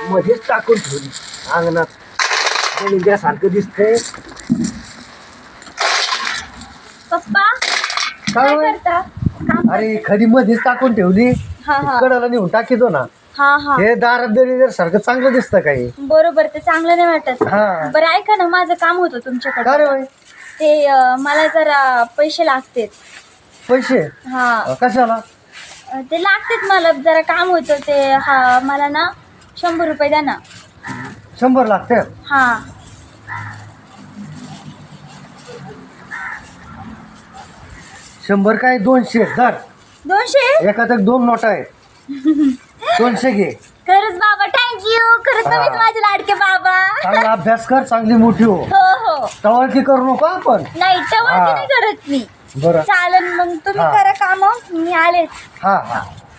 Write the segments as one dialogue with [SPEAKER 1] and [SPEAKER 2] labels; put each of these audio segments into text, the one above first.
[SPEAKER 1] मध्येच टाकून ठेवली अंगणात गणित्यासारखं दिसतंय.
[SPEAKER 2] पप्पा
[SPEAKER 1] काय
[SPEAKER 2] काय करता? काम
[SPEAKER 1] अरे खडी मध्येच टाकून ठेवली.
[SPEAKER 2] हा हा
[SPEAKER 1] कडाला नेऊन टाकीतो ना.
[SPEAKER 2] हा हा
[SPEAKER 1] हे दारात दरी सारखं चांगलं दिसतं काही.
[SPEAKER 2] बरोबर, ते चांगलं नाही वाटत.
[SPEAKER 1] हा.
[SPEAKER 2] बरं ऐका ना, माझं काम होतं
[SPEAKER 1] अरे
[SPEAKER 2] तुमच्याकडे.
[SPEAKER 1] बाई
[SPEAKER 2] ते मला जरा पैसे लागतात.
[SPEAKER 1] पैसे
[SPEAKER 2] हा
[SPEAKER 1] कशाला?
[SPEAKER 2] ते लागतात मला, जरा काम होतं ते. हा मला ना 100 रुपये द्या ना.
[SPEAKER 1] 100 लागते.
[SPEAKER 2] हा
[SPEAKER 1] 100 काय 200 धर.
[SPEAKER 2] 200.
[SPEAKER 1] एकात 2 नोटा आहेत. 200 घे.
[SPEAKER 2] खरंच बाबा, थँक्यू. खरंच
[SPEAKER 1] हा.
[SPEAKER 2] तुम्हीच माझे लाडके बाबा.
[SPEAKER 1] चांगला अभ्यास कर, चांगली मोठी हो.
[SPEAKER 2] हो हो.
[SPEAKER 1] टवाळकी करू नको आपण.
[SPEAKER 2] नाही तेव्हा
[SPEAKER 1] हा.
[SPEAKER 2] नाही करत मी.
[SPEAKER 1] बरं.
[SPEAKER 2] चालेल मग, तुम्ही
[SPEAKER 1] हा.
[SPEAKER 2] करा काम, मी आलेच.
[SPEAKER 1] हा हा.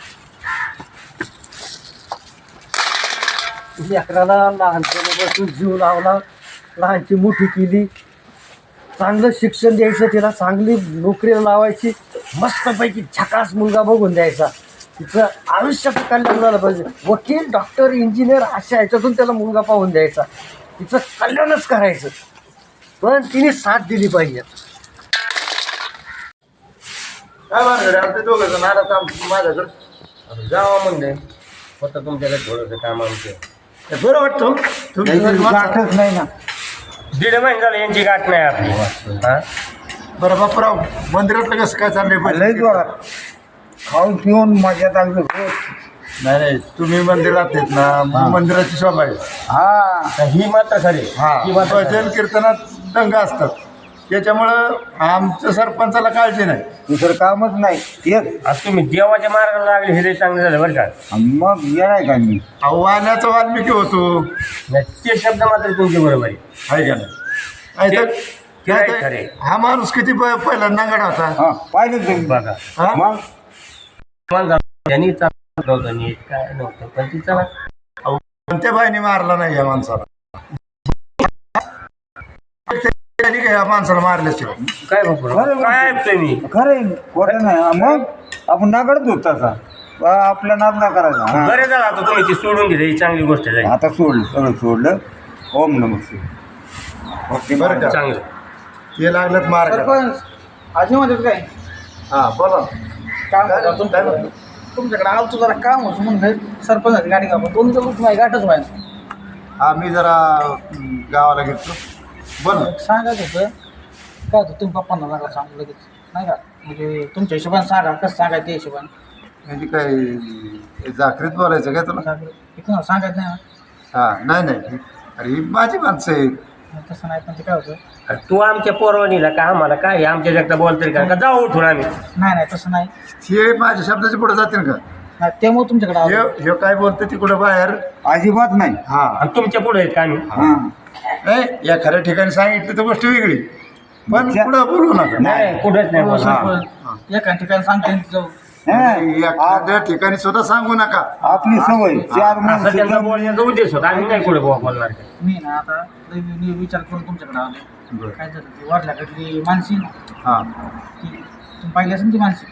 [SPEAKER 1] लेकराला लहानपणापासून जीव लावला, लहानची मोठी केली, चांगलं शिक्षण द्यायचं, तिला चांगली नोकरीला लावायची, मस्तपैकी झकास मुलगा बघून द्यायचा, तिचं आयुष्याचं कल्याण झालं पाहिजे. वकील, डॉक्टर, इंजिनियर अशा ह्याच्यातून त्याला मुलगा पाहून द्यायचा, तिचं कल्याणच करायचं. पण तिने साथ दिली पाहिजे.
[SPEAKER 3] काय मानकडे आमचे दोघं जण आला तर माझ्याकडे जावा म्हणले होतं तुमच्याकडे थोडंसं काम आमचं.
[SPEAKER 1] बरं वाटतं
[SPEAKER 3] तुमची
[SPEAKER 1] नाही ना.
[SPEAKER 3] 1.5 महिने झालं यांची गाठ नाही आपली. हा
[SPEAKER 4] बरं बापराव, मंदिरातलं कसं काय चाललंय?
[SPEAKER 5] खाऊन पिऊन मजा लागली.
[SPEAKER 4] नाही नाही, तुम्ही मंदिरात येत ना, मंदिराची शोभा आहे.
[SPEAKER 5] हा
[SPEAKER 3] ही मात्र खरी.
[SPEAKER 4] हा, भजन कीर्तनात दंग असतात, त्याच्यामुळं आमच्या सरपंचाला काळजी नाही.
[SPEAKER 5] दुसरं कामच नाही एक.
[SPEAKER 3] आज तुम्ही देवाच्या मार्गाला लागले, हे चांगलं झालं बरं का.
[SPEAKER 5] मग येणार का मी?
[SPEAKER 4] आव्हानाचा वाल्मिकी होतो,
[SPEAKER 3] नाही, ते शब्द मात्र तुमच्या बरोबर आहे.
[SPEAKER 4] आहे का नाही?
[SPEAKER 3] ते- ते
[SPEAKER 4] काय
[SPEAKER 3] आहे खरे.
[SPEAKER 4] हा माणूस किती पहिला नांगड होता.
[SPEAKER 5] हा पाहिलं तुम्ही
[SPEAKER 3] बघा
[SPEAKER 4] हा?
[SPEAKER 5] मग
[SPEAKER 3] मग त्यांनी चांगलं नव्हतं, नीट काय नव्हतं, पण ती चला
[SPEAKER 4] कोणत्या बाईने मारला नाही या माणसाला. त्यांनी काय या माणसाला मारल्याशिवाय.
[SPEAKER 3] काय बघू काय ऐकतोय मी.
[SPEAKER 5] खरं खोटं नाही. मग आपण नागडच होत तसा. आपला नाद ना करायचा. हा.
[SPEAKER 3] बरे झालं आता तुम्ही ती सोडून दिली, ही चांगली गोष्ट झाली.
[SPEAKER 5] आता सोडलं, सगळं सोडलं. ओम नमः शिवाय.
[SPEAKER 4] बरं का?
[SPEAKER 3] चांगलं.
[SPEAKER 4] ते लागलं मार.
[SPEAKER 1] आजी म्हणतात काय
[SPEAKER 4] हा बोला.
[SPEAKER 1] काम
[SPEAKER 4] काय-
[SPEAKER 1] करतो
[SPEAKER 4] काय म्हणतो?
[SPEAKER 1] तुमच्याकडे आलतो, जरा काम होतं म्हणून सरपंच गाडी का दोन दिवस माझी गाठच व्हायला.
[SPEAKER 4] हा मी जरा गावाला घेतो. बोल.
[SPEAKER 1] सांगायचं होतं काय होतं, तुम्ही पप्पांना नका सांगू लगेच, नाही का? म्हणजे तुमच्या हिशोबाने सांगा, कसं सांगायचं त्या हिशोबाने.
[SPEAKER 4] म्हणजे काय जाकरीत बोलायचं काय तुला?
[SPEAKER 1] सांगायचं सांगायचं नाही
[SPEAKER 4] हा नाही नाही, अरे ही माझी माणसं आहेत.
[SPEAKER 1] ना, तसं नाही. पण ते काय होतं,
[SPEAKER 3] अरे तू आमच्या पोरवानीला का आम्हाला काय आमच्या जगता बोल तरी का जाऊ उठून आम्ही.
[SPEAKER 1] नाही नाही तसं नाही.
[SPEAKER 4] हे माझ्या शब्दाच्या पुढे जातील का?
[SPEAKER 1] नाही, त्यामुळे तुमच्याकडे आलो.
[SPEAKER 4] हे काय बोलतं तिकडं बाहेर.
[SPEAKER 5] अजिबात नाही.
[SPEAKER 4] हा
[SPEAKER 3] आणि तुमच्या पुढे आहेत का आम्ही.
[SPEAKER 5] हा
[SPEAKER 4] नाही, या खऱ्या ठिकाणी सांगितलं तर गोष्ट वेगळी, पण पुढं बोलू नका.
[SPEAKER 3] नाही कुठेच नाही
[SPEAKER 1] हो,
[SPEAKER 3] बोलणार.
[SPEAKER 1] सरपंच, एका ठिकाणी सांगते जाऊ.
[SPEAKER 4] एखाद्या ठिकाणी सुद्धा सांगू नका.
[SPEAKER 5] आपली सवय चार
[SPEAKER 3] असं त्यांचा
[SPEAKER 5] माणसं.
[SPEAKER 3] बोलण्याचा उद्देश होता, आम्ही नाही कुठे बोलणार.
[SPEAKER 1] मी ना आता लई विचार करून तुमच्याकडे आलो.
[SPEAKER 4] बरं.
[SPEAKER 1] काय झालं, ती वाढल्याकडली माणसी ना,
[SPEAKER 4] हा
[SPEAKER 1] ती तुम्ही पाहिली असेल ती माणसी,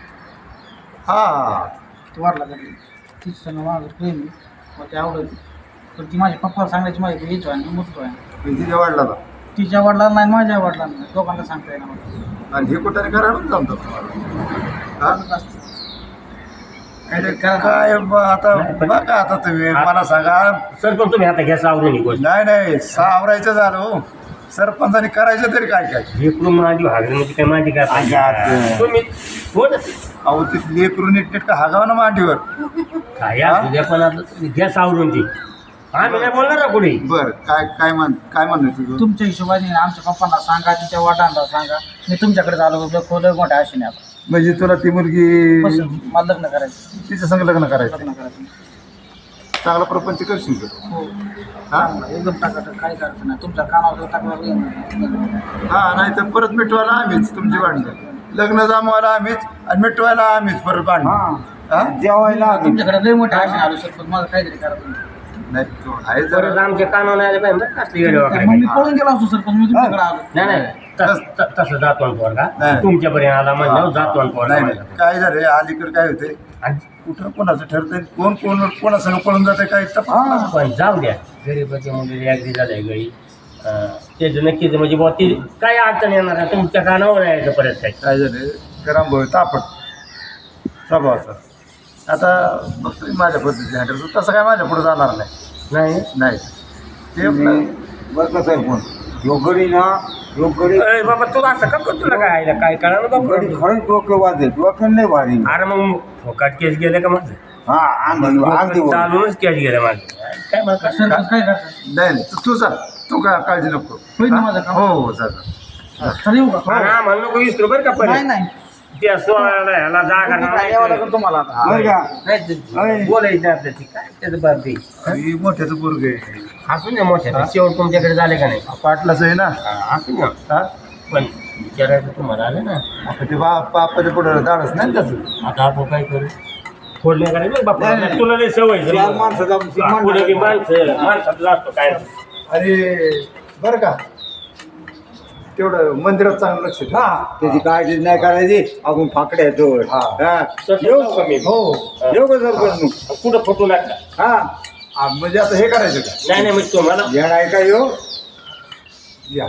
[SPEAKER 4] हा
[SPEAKER 1] ती वाढल्याकडली, तीच सगळं माझं प्रेम आहे, मग ते आवडत. पण ती माझ्या पप्पाला सांगायची माझी हेच व्हाय ना, मोठं व्हाय.
[SPEAKER 4] तिच्या वाढला
[SPEAKER 1] तिच्या वडिलांना नाही, माझ्या वडिलांना नाही, दोघांना सांगता येणार मला.
[SPEAKER 4] आणि हे कुठे करायला जमतो. हा?
[SPEAKER 1] काहीतरी करा ना.
[SPEAKER 4] काय आता बघा, आता तुम्ही मला सांगा.
[SPEAKER 3] सर पण तुम्ही आता घ्या सावरून ही गोष्ट.
[SPEAKER 4] नाही नाही, सावरायचं झालं हो. सरपंचाने करायचं तरी काय काय.
[SPEAKER 3] लेकरून माझी हागरी म्हणजे काय माझी काय पाहिजे.
[SPEAKER 5] अगं.
[SPEAKER 3] तुम्ही बोल
[SPEAKER 4] अहो ती लेकरून नीटनेटकं हागावं ना मांडीवर.
[SPEAKER 3] काय असू द्या, पण आता घ्या सावरून ती. आम्ही नाही बोलणार ना कुठे.
[SPEAKER 4] बर काय म्हणणं तुझं?
[SPEAKER 1] तुमच्या हिशोबाने आमच्या पप्पांना सांगा, तिच्या वडिलांना सांगा, मी तुमच्याकडे झालो खोलं मोठ्या आशेने आता.
[SPEAKER 4] म्हणजे तुला ती मुलगी
[SPEAKER 1] बस मला लग्न करायचं,
[SPEAKER 4] तिच्या संग लग्न करायचं.
[SPEAKER 1] लग्न करायचं.
[SPEAKER 4] चांगला प्रपंच करशील का?
[SPEAKER 1] हो,
[SPEAKER 4] हा
[SPEAKER 1] एकदम टाकाटक, काही करायचं नाही. तुमच्या कानावर टाकणार.
[SPEAKER 4] हा, नाही तर परत मिटवायला आम्हीच तुमची भांडणं, लग्न जमवायला आम्हीच आणि मिटवायला आम्हीच परत भांडणं.
[SPEAKER 5] हा
[SPEAKER 4] हा?
[SPEAKER 5] जेवायला आलो.
[SPEAKER 1] तुमच्याकडे लय मोठ्या आशेने आलो सर, पण मला काहीतरी करायचं.
[SPEAKER 4] नाही तू आहे
[SPEAKER 3] परत
[SPEAKER 4] जरा.
[SPEAKER 3] आमच्या कानावर आले पाहिजे बरं, कसली वेळ वगैरे.
[SPEAKER 1] मग मी पळून गेलो असतो सर, पण मी तुमच्याकडे आलो.
[SPEAKER 3] नाही नाही, तसं जातो पोरगा
[SPEAKER 4] नाही.
[SPEAKER 3] तुमच्यापर्यंत आला म्हणल्यावर जातो पोरगा
[SPEAKER 4] नाही
[SPEAKER 3] माझ्या.
[SPEAKER 4] नाही, काय झालं अलीकडे काय होते,
[SPEAKER 3] आणि
[SPEAKER 4] कुठं कोणाचं ठरतंय कोण कोणासंग पळून जाते काय तपास
[SPEAKER 3] पण जाऊ द्या गरीबाच्या मुलीला अगदी झालंय गळी तेच नक्कीच म्हणजे बुवा ती काय अडचण येणार आहे तुमच्या कानावर यायचं परत काय
[SPEAKER 4] काय झालं गरम भाऊ तापट स्वभावाचा आता बघतोय माझ्या पद्धतीने हँडल तसं काय माझ्या पुढे जाणार नाही
[SPEAKER 3] नाही
[SPEAKER 4] ते आपलं
[SPEAKER 5] बरं का सरपंच यो गडी ना यो गडी
[SPEAKER 3] अरे बाबा तुला असं का करतो तुला काय आयला काय करा ना
[SPEAKER 5] गडी
[SPEAKER 3] बाबा
[SPEAKER 5] खरंच डोकं वाजत डोक्यानं नाही भारी
[SPEAKER 3] अरे मग फोकाट केस गेले का माझं
[SPEAKER 5] हा अगदी बरोबर.
[SPEAKER 3] चालूनच केस गेलं माझं काय मला कसं
[SPEAKER 4] नाही तू चाल तू काय काळजी नको हो चालेल
[SPEAKER 3] म्हणू नको विसरू बरं का पण
[SPEAKER 1] नाही
[SPEAKER 3] त्या सोळाला ह्याला जागा नाही
[SPEAKER 1] तुम्हाला
[SPEAKER 5] बरं का
[SPEAKER 3] बोलायचं आपल्या ती काय त्याचं बाबी
[SPEAKER 4] ही मोठ्याचं पोरग आहे
[SPEAKER 3] असून ना मोठ्या शेवट तुमच्याकडे झाले का नाही
[SPEAKER 4] पाटलाच आहे ना
[SPEAKER 3] असून ना
[SPEAKER 4] हा
[SPEAKER 3] पण विचारायचं तुम्हाला आलं ना
[SPEAKER 4] आता ते बापाच्या पुढे धाडच नाही त्याचं
[SPEAKER 3] आता आपण काय करू फोडण्या करायचं बापा तुला लई सवय
[SPEAKER 5] चार माणसाचा
[SPEAKER 3] पुढे बी माणसात लागतो काय
[SPEAKER 4] अरे बरं का तेवढं मंदिरात चांगलं लक्ष ठेव.
[SPEAKER 5] त्याची काळजी नाही करायची आपण फाकड्या येतो
[SPEAKER 4] हा.
[SPEAKER 5] येऊ
[SPEAKER 3] कमी
[SPEAKER 4] हो
[SPEAKER 5] येऊ का सरपंच मग?
[SPEAKER 3] कुठं फोटो लागला
[SPEAKER 5] हा
[SPEAKER 4] म्हणजे आता हे करायचं का
[SPEAKER 3] नाही नाही मग तुम्हाला
[SPEAKER 5] येणार आहे का येऊ
[SPEAKER 4] या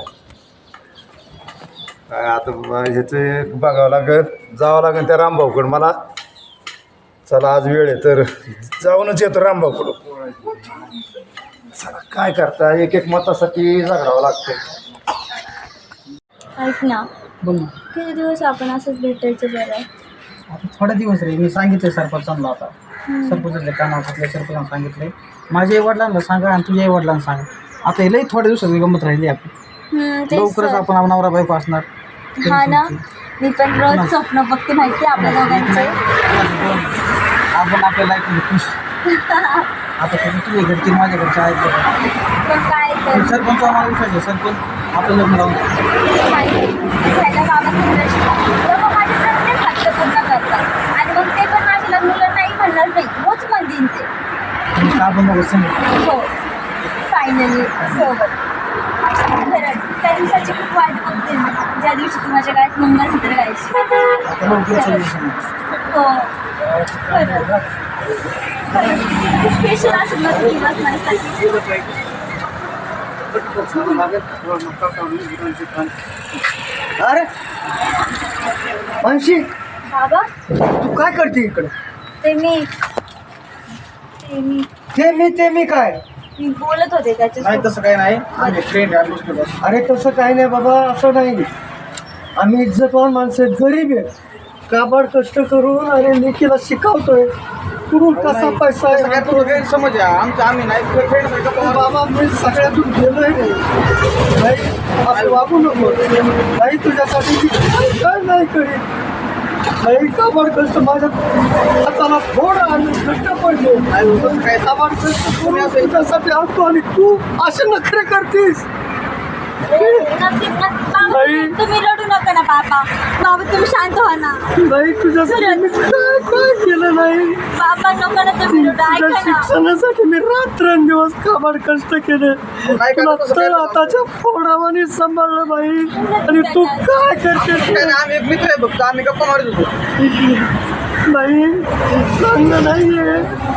[SPEAKER 4] काय आता ह्याचं बघावं लागत जावं लागेल त्या रामभाऊकडं मला चला आज वेळ आहे तर जाऊनच येतो रामभाऊकडं चला काय करता एक एक मतासाठी झगडावं लागतं
[SPEAKER 2] ऐक ना
[SPEAKER 1] बोल ना
[SPEAKER 2] किती दिवस आपण असंच भेटायचं बरं
[SPEAKER 1] आता थोडे दिवस रे मी सांगितले सरपंचांना आता सरपंचाच्या कानावर सरपंचांना सांगितले माझ्या आई वडिलांना सांगा आणि तुझ्या आई वडिलांना सांगा आता हे लई थोड्या दिवसाची गंमत राहिली आपली
[SPEAKER 2] तेच
[SPEAKER 1] लवकरच
[SPEAKER 2] तर.
[SPEAKER 1] आपण नवरा बायको असणार
[SPEAKER 2] हा ना मी पण रोज स्वप्न बघते माहिती आपल्या दोघांचे
[SPEAKER 1] आपण आपल्या लाईफमध्ये खुश आता तुम्ही तुझ्या घरची माझ्या घरच्या आहेत बघा.
[SPEAKER 2] पण काय तर
[SPEAKER 1] सरपंच आम्हाला विश्वास आहे सरपंच आपलं लग्न लावून
[SPEAKER 2] माझ्या बाबाचं तेव्हा माझे प्रत्येक हट्ट पूर्ण करतात आणि मग ते पण माझ्या लग्नाला नाही म्हणणार नाही होच म्हणतील ते
[SPEAKER 1] आपण बघू समज
[SPEAKER 2] हो फायनली सोबत खरंच त्या दिवसाची खूप वाट बघते मी ज्या दिवशी तू माझ्या गायत मंगळसूत्र गायची
[SPEAKER 1] आता लवकर चालू समज
[SPEAKER 2] हो खरंच स्पेशल असेल ना तो दिवस माझ्यासाठी
[SPEAKER 1] अरे अंशी
[SPEAKER 2] बाबा
[SPEAKER 1] तू काय करते इकडे
[SPEAKER 2] ते मी
[SPEAKER 1] काय
[SPEAKER 2] मी बोलत होते
[SPEAKER 1] नाही
[SPEAKER 2] त्याच्या
[SPEAKER 1] तसं काही नाही आम्ही फ्रेंड आहे बसलो बस अरे तसं काही नाही बाबा असं नाही आम्ही इज्जतवान माणसं आहेत, गरीब आहे काबाड कष्ट करून अरे लेकीला शिकवतोय कुठून कसा पैसा आहे
[SPEAKER 5] काय तुझं गैरसमज आहे आमचं आम्ही नाही फ्रेंड
[SPEAKER 1] बाबा मी सगळ्यातून गेलोय नाही असं वागू नको नाही तुझ्यासाठी मी काय नाही करीत नाही काबाड कष्ट माझ्या हाताला फोड आणि घट्ट पडले काय काबाड कष्ट करून तुझ्यासाठी आणतो आणि तू असे नखरे करतेस
[SPEAKER 2] तुम्ही रडू नका ना बाबा तुम्ही शांत व्हा ना
[SPEAKER 1] नाही तुझ्यासाठी मी काय केलं नाही
[SPEAKER 2] बाबा नको ना तुम्ही रडू
[SPEAKER 1] तुझ्या
[SPEAKER 2] ऐका ना
[SPEAKER 1] शिक्षणासाठी मी रात्रंदिवस काबाड कष्ट केले तुला तर आताच्या फोडावानी सांभाळलं बाई आणि तू काय करते
[SPEAKER 5] आम्ही एक मित्र आहे फक्त आम्ही गप्पा मारत होतो
[SPEAKER 1] नाही चांगलं नाहीये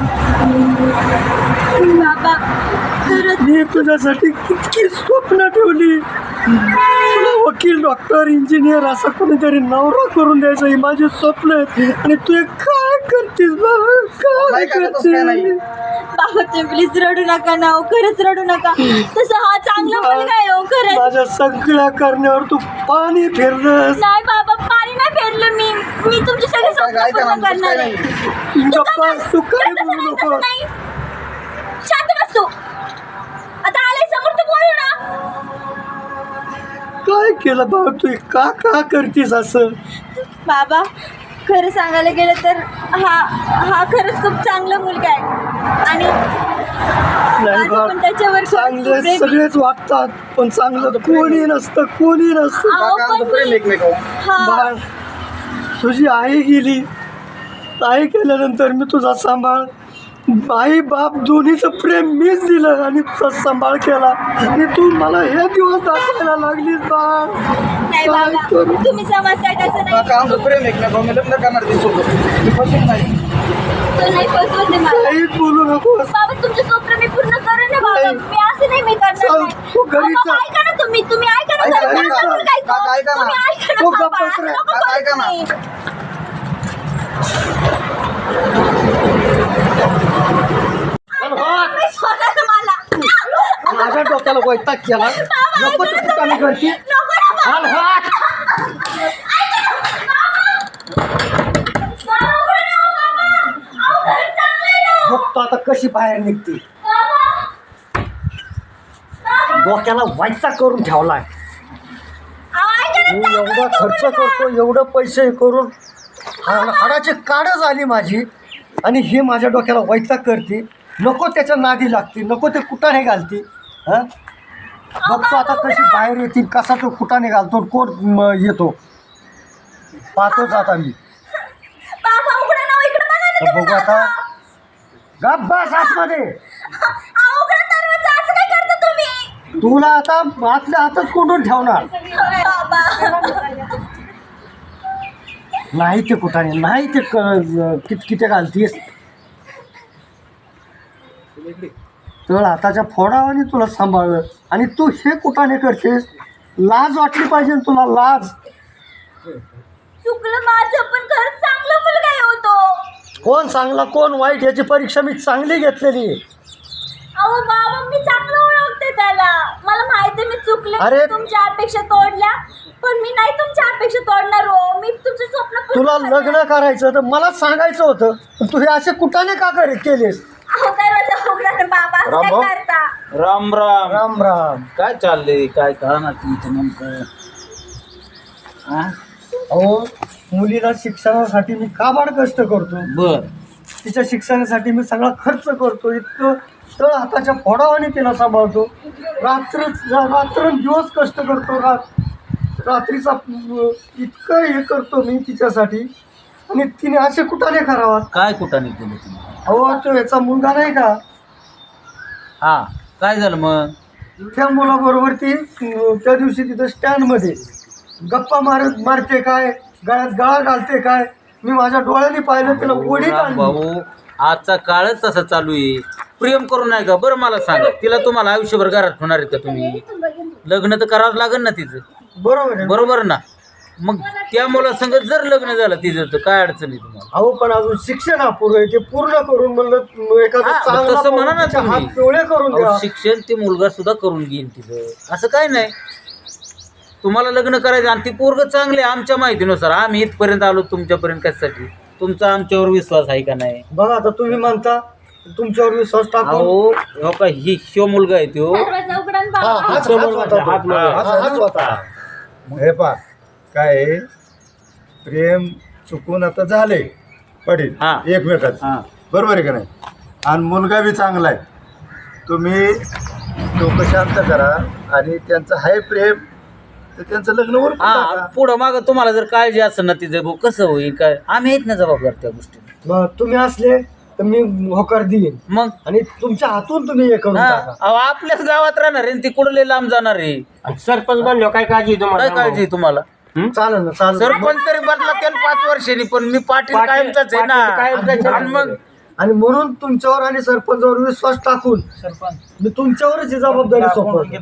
[SPEAKER 2] बाबा खरंच
[SPEAKER 1] मी तुझ्यासाठी कितकी स्वप्न ठेवली तुला वकील डॉक्टर इंजिनियर असं कोणीतरी नवरा करून द्यायचं ही माझी स्वप्न आहेत आणि तू हे काय करतेस बाबा काय करते
[SPEAKER 2] बाबा तुम्ही प्लीज रडू नका ना खरंच रडू नका तसं हा चांगला मुलगा आहे खरंच
[SPEAKER 1] माझ्या सगळ्या करण्यावर तू पाणी फिरलंस
[SPEAKER 2] नाही बाबा पाणी नाही फेरलं मी तुमचे सगळे स्वप्न पूर्ण करणार आहे
[SPEAKER 1] गप्पा तू काय बोलू नको
[SPEAKER 2] नाही शांत बस तू आता आले समोर तू बोलू ना
[SPEAKER 1] काय केलं बाबा तू का करतेस असं
[SPEAKER 2] बाबा खरं सांगायला गेलं तर हा खरंच खूप चांगला मुलगा आहे आणि
[SPEAKER 1] नाही
[SPEAKER 2] माझं पण त्याच्यावर
[SPEAKER 1] बा चांगले
[SPEAKER 2] खूप प्रेम आहे.
[SPEAKER 1] सगळेच वागतात पण चांगलं कोणी नसतं
[SPEAKER 2] अहो, पण मी- हा.
[SPEAKER 1] बाळ तुझी आई गेली आई गेल्यानंतर मी तुझा सांभाळ आई बाप दोन्हीचं प्रेम मीच दिलं आणि तुझा सांभाळ केला आणि तू मला हे दिवस दाखवायला लागलीस बाळ
[SPEAKER 2] नाही बाबा, तुम्ही समजताय तसं नाही.
[SPEAKER 5] काका आमचं प्रेम आहे ना भाऊ, मी लग्न करणार ती सोबत मी फसून नाही.
[SPEAKER 2] तो नाही फसवत आहे मला.
[SPEAKER 1] काही बोलू नको.
[SPEAKER 2] बाबा तुमचं स्वप्न मी पूर्ण करेन ना बाबा. मी असं नाही मी करणार
[SPEAKER 1] चल,
[SPEAKER 2] नाही.
[SPEAKER 1] तू घरी
[SPEAKER 2] बाबा,
[SPEAKER 1] चल.
[SPEAKER 2] ऐका ना तुम्ही ऐका ना
[SPEAKER 5] ऐका,
[SPEAKER 2] जरा.
[SPEAKER 5] ऐका.
[SPEAKER 2] नका बोलू काय तो.
[SPEAKER 5] काका, ऐका ना.
[SPEAKER 2] तुम्ही ऐका ना
[SPEAKER 1] तू
[SPEAKER 2] बाबा.
[SPEAKER 1] गप्प बस रे.
[SPEAKER 2] नको
[SPEAKER 5] काका,
[SPEAKER 2] बोलू
[SPEAKER 5] ऐका ना.
[SPEAKER 2] तुम्ही. मी सोडा ना मला.
[SPEAKER 1] माझ्या डोक्याला वैताग केला. नको ते कुटाने करते.
[SPEAKER 2] नको ना बाबा.
[SPEAKER 1] हाल हात. बघतो आता कशी बाहेर निघते. डोक्याला वैताग करून ठेवलाय. मी एवढा खर्च करतो, एवढं पैसे करून हाडाची काढ झाली माझी, आणि हे माझ्या डोक्याला वैताग करते. नको त्याच्या नादी लागते, नको ते कुटाने घालते. हां, बघतो आता कशी बाहेर येतील, कसा तो कुटाने घालतो, कोण येतो पाहतोच आता मी.
[SPEAKER 2] बाबा उघडा ना, इकडे बघा ना
[SPEAKER 1] तर
[SPEAKER 2] तुम्ही
[SPEAKER 1] बघू आता.
[SPEAKER 2] बाबा.
[SPEAKER 1] गप बस आतमध्ये.
[SPEAKER 2] उघडा दरवाजा. असं काय करता तुम्ही
[SPEAKER 1] तुला आता आतल्या हातच कोंडून ठेवणार.
[SPEAKER 2] बाबा.
[SPEAKER 1] नाही ते कुठाने, नाही ते किटकिटे घालतीस. तर हाताच्या फोडावाने तुला सांभाळलं, आणि तू हे कुठाने करतेस. लाज वाटली पाहिजे ना तुला, लाज.
[SPEAKER 2] चुकलं माझं, पण खरंच चांगला मुलगा आहे हो तो.
[SPEAKER 1] कोण चांगला कोण वाईट याची परीक्षा मी चांगली घेतलेली आहे.
[SPEAKER 2] अहो बाबा, मी चांगलं ओळखते त्याला. मला माहिती आहे मी चुकले,
[SPEAKER 1] अरे.
[SPEAKER 2] मी तुमच्या अपेक्षा तोडल्या, पण मी नाही तुमच्या अपेक्षा तोडणार हो. मी तुमचं स्वप्न पूर्ण
[SPEAKER 1] तुला
[SPEAKER 2] करणार.
[SPEAKER 1] लग्न करायचं तर मला सांगायचं होतं, पण तू हे असे कुठाने का केलेस.
[SPEAKER 2] अहो दरवाजा उघडा ना बाबा. असं
[SPEAKER 5] राम भाऊ.
[SPEAKER 2] काय करता.
[SPEAKER 5] राम राम.
[SPEAKER 1] राम राम.
[SPEAKER 5] काय चाललंय, काय कळणार तुमचं नेमकं? हा?
[SPEAKER 1] अहो, मुलीला शिक्षणासाठी मी काबाड कष्ट करतो.
[SPEAKER 5] बर.
[SPEAKER 1] तिच्या शिक्षणासाठी मी सगळा खर्च करतो. इतकं तळ हाताच्या फोडावाने तिला सांभाळतो. रात्रंदिवस कष्ट करतो. रात्रीचा इतकं हे करतो मी तिच्यासाठी, आणि तिने असे कुठाने करावा.
[SPEAKER 5] काय कुठाने केलं तुम्ही?
[SPEAKER 1] अहो, तो याचा मुलगा नाही का,
[SPEAKER 5] हा, काय झालं मग?
[SPEAKER 1] त्या मुलाबरोबर ती त्या दिवशी तिथं स्टँडमध्ये गप्पा मारते काय, गळ्यात गळा घालते काय. मी माझ्या डोळ्यांनी पाहिलं, तिला ओढीत
[SPEAKER 5] राम
[SPEAKER 1] आणली.
[SPEAKER 5] भाऊ, आजचा काळच तसा चालू आहे. प्रेम करू नाही का? बरं मला सांगा, तिला तुम्हाला आयुष्यभर घरात होणार आहेत का तुम्ही? लग्न तर करावं लागेल ना तिचं,
[SPEAKER 1] बरोबर आहे.
[SPEAKER 5] बरोबर ना? मग त्या मुलासंग जर लग्न झालं तिचं तर काय अडचण आहे तुम्हाला?
[SPEAKER 1] अहो, पण अजून शिक्षण अपुरं आहे, ते पूर्ण करून म्हणलं एखादं
[SPEAKER 5] हा, मग
[SPEAKER 1] चांगला
[SPEAKER 5] तसं म्हणा ना
[SPEAKER 1] पाऊल तिच्या
[SPEAKER 5] तुम्ही.
[SPEAKER 1] हात पिवळे करून द्या.
[SPEAKER 5] अहो, शिक्षण ते मुलगा सुद्धा करून घेईन तिचं, असं काय नाही. तुम्हाला लग्न करायचं आणि ती पोरग चांगले आमच्या माहितीनुसार. आम्ही इथपर्यंत आलो तुमच्यापर्यंत कशासाठी? तुमचा आमच्यावर विश्वास आहे का नाही?
[SPEAKER 1] बघा आता तुम्ही म्हणता तुमच्यावर विश्वास टाकून.
[SPEAKER 5] अहो, हो का, ही शिव मुलगा आहे तो.
[SPEAKER 2] दरवाजा उघडा ना
[SPEAKER 1] हा,
[SPEAKER 2] बाबा.
[SPEAKER 1] हाच होता तो.
[SPEAKER 5] हात लावा.
[SPEAKER 1] हाच होता.
[SPEAKER 4] हे पा काय आहे, प्रेम चुकून आता झाले पडेल
[SPEAKER 5] हा.
[SPEAKER 4] एकमेकाचं,
[SPEAKER 5] हा.
[SPEAKER 4] बरोबर आहे का नाही? आणि मुलगा बी चांगला आहे. तुम्ही डोकं शांत करा, आणि त्यांचं आहे प्रेम तर त्यांचं लग्न वर
[SPEAKER 5] हा, पुढं माग तुम्हाला जर काळजी असेल ना तिचं, भाऊ कसं होईल काय, आम्ही आहेत ना जबाबदार त्या गोष्टी.
[SPEAKER 1] मग तुम्ही असले तर मी होकार देईन,
[SPEAKER 5] मग
[SPEAKER 1] आणि तुमच्या हातून तुम्ही हे करून
[SPEAKER 5] हा,
[SPEAKER 1] टाका.
[SPEAKER 5] अहो, आपल्याच गावात राहणार आहे आणि ती कुठं लय लांब जाणार आहे.
[SPEAKER 3] सरपंच बनलो काय काळजी
[SPEAKER 5] काय काळजी आहे तुम्हाला?
[SPEAKER 1] चालेल ना, चालेल.
[SPEAKER 5] सरपंच तरी बदला त्याला 5 वर्षांनी, पण मी पाटील कायमचाच आहे ना. आणि मग
[SPEAKER 1] आणि म्हणून तुमच्यावर आणि सरपंचावर विश्वास टाकून मी तुमच्यावरच ही जबाबदारी सोपवतो.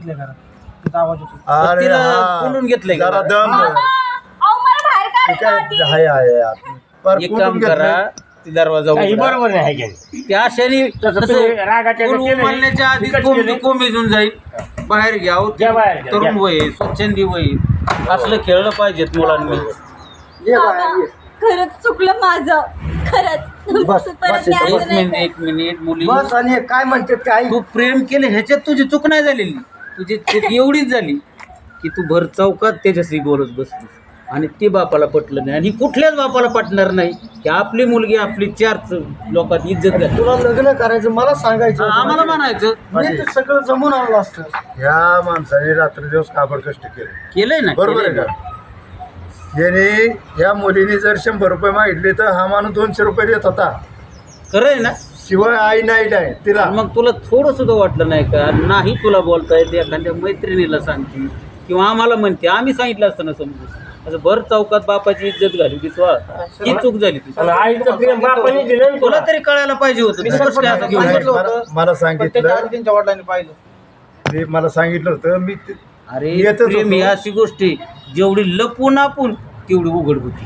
[SPEAKER 4] अरे
[SPEAKER 5] तिला
[SPEAKER 4] हा,
[SPEAKER 5] कोंडून घेतलंय का?
[SPEAKER 4] जरा दम धर.
[SPEAKER 2] अहो मला बाहेर
[SPEAKER 4] ते
[SPEAKER 2] काढा
[SPEAKER 4] काय
[SPEAKER 2] आधी.
[SPEAKER 4] आहे आत. पर
[SPEAKER 5] एक
[SPEAKER 4] कोंडून
[SPEAKER 5] काम करा,
[SPEAKER 4] घेतलंय.
[SPEAKER 5] ती दरवाजा उघडा.
[SPEAKER 3] बरोबर नाही आहे की नाही?
[SPEAKER 5] त्या क्षणी
[SPEAKER 3] रागाच्या
[SPEAKER 5] उमलण्याच्या आधी कोंबीजून जाईल. बाहेर घ्या अहो,
[SPEAKER 3] घ्या बाहेर, घ्या.
[SPEAKER 5] तरुण वय आहे, स्वच्छंदी वय आहे. असलं खेळलं पाहिजेत मुलांनी.
[SPEAKER 1] ये
[SPEAKER 2] बाबा,
[SPEAKER 1] बाहेर ये.
[SPEAKER 2] खरंच चुकलं माझं. खरंच
[SPEAKER 1] बस,
[SPEAKER 2] परत
[SPEAKER 1] बस,
[SPEAKER 2] मी असं
[SPEAKER 5] एक
[SPEAKER 2] नाही
[SPEAKER 5] मिनिट, एक मिनिट. मुली,
[SPEAKER 1] बस, आणि हे काय म्हणते ते आई.
[SPEAKER 5] तू प्रेम केलं ह्याच्यात तुझी चूक नाही झालेली. तुझी चूक एवढीच झाली की तू भर चौकात त्याच्याशी बोलत बसलीस, आणि ते बापाला पटलं नाही, आणि कुठल्याच बापाला पटणार नाही की आपली मुलगी आपली 4 लोकात इज्जत घालते.
[SPEAKER 1] तुला लग्न करायचं मला सांगायचं होतं.
[SPEAKER 5] आम्हाला म्हणायचं
[SPEAKER 1] मी ते सगळं जमून आणलं असतं.
[SPEAKER 4] ह्या माणसाने रात्री दिवस काबड कष्ट केले,
[SPEAKER 5] केलंय ना,
[SPEAKER 4] बरोबर आहे
[SPEAKER 5] केलंय
[SPEAKER 4] का?
[SPEAKER 5] ना.
[SPEAKER 4] याने या मुलीने जर 100 रुपये मागितले तर हा माणूस 200 रुपये देत होता.
[SPEAKER 5] खरं आहे ना.
[SPEAKER 4] शिवाय आई नाही तिला.
[SPEAKER 5] मग तुला थोडं सुद्धा वाटलं नाही का? नाही तुला बोलता येते, एखाद्या मैत्रिणीला सांगते, किंवा आम्हाला म्हणते आम्ही सांगितलं असतं ना समजून असं भर चौकात बापाची इज्जत घाली की तू ही चूक झाली तुझी.
[SPEAKER 3] आणि आईचं प्रेम बापाने दिलं ना
[SPEAKER 5] तुला
[SPEAKER 3] तुला.
[SPEAKER 5] तरी कळायला पाहिजे होतं तू कसं काय असं घेऊन
[SPEAKER 4] नाही,
[SPEAKER 5] बसला?
[SPEAKER 4] मला सांगितलं
[SPEAKER 1] त्यांच्या वडिलांनी पाहिलं
[SPEAKER 4] ते मला सांगितलं होतं मी
[SPEAKER 5] अरे
[SPEAKER 4] येतच
[SPEAKER 5] प्रेम ही
[SPEAKER 4] होतो.
[SPEAKER 5] अशी गोष्ट आहे, जेवढी लपून आपण तेवढी उघड होती.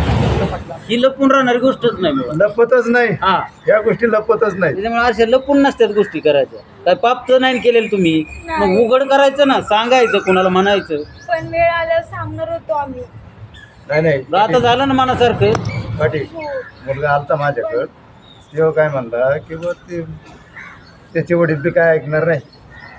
[SPEAKER 5] ही लपून राहणारी गोष्टच नाही मुळात.
[SPEAKER 4] लपतच नाही
[SPEAKER 5] हा
[SPEAKER 4] या गोष्टी लपतच नाही.
[SPEAKER 5] त्याच्यामुळे अशा लपून नसतात गोष्टी करायच्या. काय पाप तर नाही केलेलं तुम्ही, मग उघड करायचं ना, सांगायचं कोणाला म्हणायचं.
[SPEAKER 2] पण वेळ आल्यावर सांगणार होतो आम्ही.
[SPEAKER 4] नाही
[SPEAKER 5] आता झालं ना मनासारखं.
[SPEAKER 4] पाटील मुलगा आलता माझ्याकडं तेव्हा काय म्हणला की बा ते त्याचे वडील बी काय ऐकणार नाही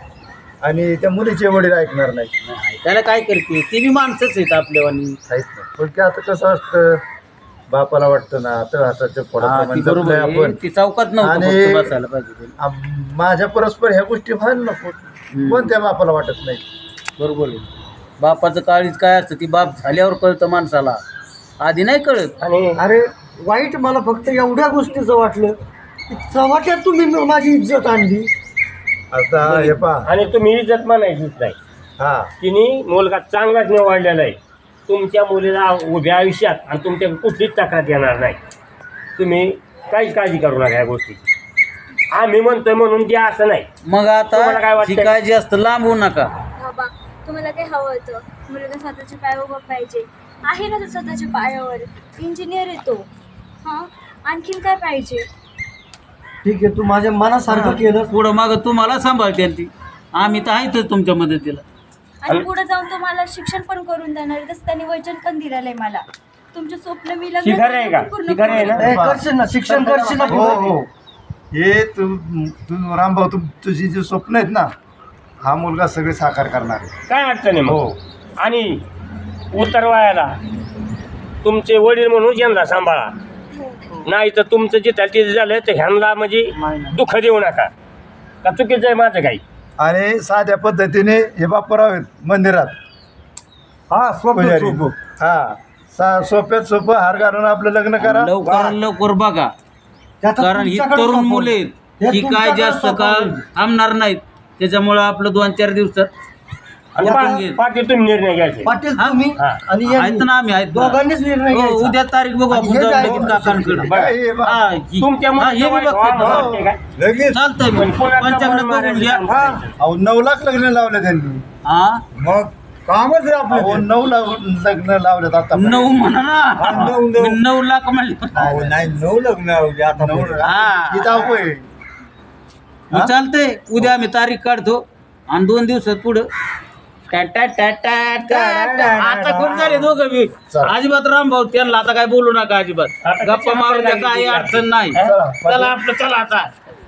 [SPEAKER 4] आणि त्या मुलीचे वडील ऐकणार नाही.
[SPEAKER 5] त्याला काय करते, ते बी माणसंच आहेत आपल्यावानी.
[SPEAKER 4] काहीच नाही. पण की आता कसं असतं बापाला वाटतं ना तर हाताच्या
[SPEAKER 5] हा,
[SPEAKER 4] पोटात
[SPEAKER 5] ती बरोबर आहे.
[SPEAKER 4] आपण
[SPEAKER 5] ती चौकात नव्हतं
[SPEAKER 4] आणि-
[SPEAKER 5] फक्त बसायला पाहिजे ते.
[SPEAKER 4] माझ्या परस्पर ह्या गोष्टी व्हायला नको पण त्या बापाला वाटत नाही.
[SPEAKER 5] बरोबर आहे. बापाचं काळीच काय असतं ती बाप झाल्यावर कळतं माणसाला, आधी नाही कळत.
[SPEAKER 3] आणि
[SPEAKER 1] अरे वाईट मला फक्त एवढ्या गोष्टीचं वाटलं की चव्हाट्यात तुम्ही माझी इज्जत आणली.
[SPEAKER 4] आता हे पहा
[SPEAKER 3] आणि तुम्ही इज्जत मानायचीच नाही.
[SPEAKER 4] हा
[SPEAKER 3] तिने मुलगा चांगलाच निवडलेला आहे. तुमच्या मुलीला उभ्या आयुष्यात आणि तुमच्या कुठलीच तक्रार येणार नाही. तुम्ही काहीच काळजी करू नका या गोष्टीची. आम्ही म्हणतोय म्हणून द्या असं नाही.
[SPEAKER 5] मग
[SPEAKER 3] तुम्हाला काय
[SPEAKER 5] आता
[SPEAKER 3] वाटतंय?
[SPEAKER 5] ही काळजी असतं लांब होऊ नका.
[SPEAKER 2] बाबा तुम्हाला काय हवं होतं? मुलगा स्वतःच्या पायावर उभा पाहिजे. आहे ना तो स्वतःच्या पायावर, इंजिनियर आहे तो. हां आणखीन काय पाहिजे?
[SPEAKER 1] ठीक आहे, तू माझ्या मनासारखं केलं.
[SPEAKER 5] पुढं मागं तुम्हाला सांभाळते ती, आम्ही तर आहेतच तुमच्या मदतीला.
[SPEAKER 2] आणि पुढे जाऊन तो मला शिक्षण पण करून देणार आहे. तसं त्यांनी वचन पण दिलेलं आहे मला. तुमचे स्वप्न मी लग्न
[SPEAKER 3] ही खरं आहे का?
[SPEAKER 2] करून पूर्ण
[SPEAKER 3] ही खरं आहे ना?
[SPEAKER 2] करून.
[SPEAKER 1] ए, करशील ना शिक्षण करशील ना
[SPEAKER 4] हो हो हे तू रामभाऊ तुझी जी स्वप्न आहेत ना हा मुलगा सगळे साकार करणार आहे.
[SPEAKER 3] काय अडचण आहे
[SPEAKER 4] हो.
[SPEAKER 3] मग? आणि उतरवायला तुमचे वडील म्हणून यांना सांभाळा. नाही तर तुमचं जे तिथे झालं तर ह्यांना म्हणजे दुःख देऊ नका. का चुकीचं आहे माझं काही?
[SPEAKER 4] आणि साध्या पद्धतीने हे बाप्पाराव आहेत मंदिरात
[SPEAKER 1] हा
[SPEAKER 4] पुजारी. हा सोप्यात सोपं हार घालून आपलं लग्न करा.
[SPEAKER 5] लवकर लवकर बघा, कारण ही तरुण मुले आहेत, ही काय जास्त काळ थांबणार नाहीत. त्याच्यामुळं आपलं 2-4 दिवसात
[SPEAKER 3] आणि
[SPEAKER 5] उरकून घेईल.
[SPEAKER 3] पाटील तुम्ही निर्णय घ्यायचे.
[SPEAKER 1] पाटील
[SPEAKER 5] हा?
[SPEAKER 1] तुम्ही
[SPEAKER 3] हा.
[SPEAKER 1] आणि
[SPEAKER 5] आहेत
[SPEAKER 1] यांनी
[SPEAKER 5] ना आम्ही, आहेत ना.
[SPEAKER 1] दोघांनीच निर्णय
[SPEAKER 5] हो,
[SPEAKER 1] घ्यायचा.
[SPEAKER 5] उद्या तारीख बघू
[SPEAKER 1] आणि
[SPEAKER 5] आपण
[SPEAKER 1] हे
[SPEAKER 5] जाऊन
[SPEAKER 1] काय
[SPEAKER 5] लगेच काकांकडे.
[SPEAKER 3] बरं.
[SPEAKER 4] हे बा-
[SPEAKER 5] हा,
[SPEAKER 3] तुमच्या
[SPEAKER 5] हा, हे
[SPEAKER 3] मुलीचं
[SPEAKER 5] बी
[SPEAKER 3] वाईट
[SPEAKER 5] बघतो.
[SPEAKER 3] वाद
[SPEAKER 5] हो.
[SPEAKER 3] वाटते काय?
[SPEAKER 4] लगेच
[SPEAKER 5] चालतंय
[SPEAKER 3] पण
[SPEAKER 5] मग
[SPEAKER 3] पुण्यात
[SPEAKER 5] पंचांगण
[SPEAKER 3] जाऊन
[SPEAKER 5] बघून घ्या.
[SPEAKER 3] मारायचं काम करायचं.
[SPEAKER 4] अहो 9 लाख लग्न लावले त्यांनी.
[SPEAKER 5] हा,
[SPEAKER 4] मग कामच आहे आपलं. 9 लाख लग्न लावलेत आता.
[SPEAKER 5] 9 म्हणा ना,
[SPEAKER 4] नऊ.
[SPEAKER 5] मी 9 लाख म्हणले.
[SPEAKER 4] नाही 9 लग्न आता
[SPEAKER 5] हा.
[SPEAKER 4] किती अवघड आहे.
[SPEAKER 5] मग चालतंय, उद्या आम्ही तारीख काढतो आणि 2 दिवसात पुढं आता खूप झाले दोघं बी.
[SPEAKER 4] चला.
[SPEAKER 5] अजिबात रामभाऊ त्यांना आता काय बोलू नका अजिबात.
[SPEAKER 3] आता
[SPEAKER 5] गप्पा
[SPEAKER 3] कशी
[SPEAKER 5] मारू द्या,
[SPEAKER 3] आपल्याला
[SPEAKER 5] काही
[SPEAKER 3] लागली
[SPEAKER 5] अडचण नाही.
[SPEAKER 4] चला,
[SPEAKER 5] चला आपलं, चला आता.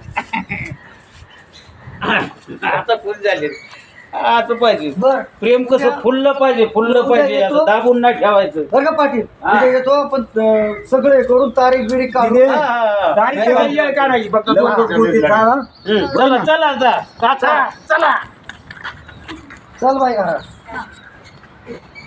[SPEAKER 5] आता फुल झाले. असं पाहिजे
[SPEAKER 1] बर
[SPEAKER 5] प्रेम कसं फुललं पाहिजे, फुललं पाहिजे, असं दाबून नाही ठेवायचं.
[SPEAKER 1] बरं का पाटील
[SPEAKER 5] हा.
[SPEAKER 1] उद्या येतो आपण सगळे करून तारीख बिरीख काढू.
[SPEAKER 5] हा, हा.
[SPEAKER 3] तारीख काही काढायची फक्त दोन
[SPEAKER 1] हा,
[SPEAKER 3] दिवसात.
[SPEAKER 1] हा.
[SPEAKER 5] चला चला आता, काका, चला.
[SPEAKER 1] चल बाई हा.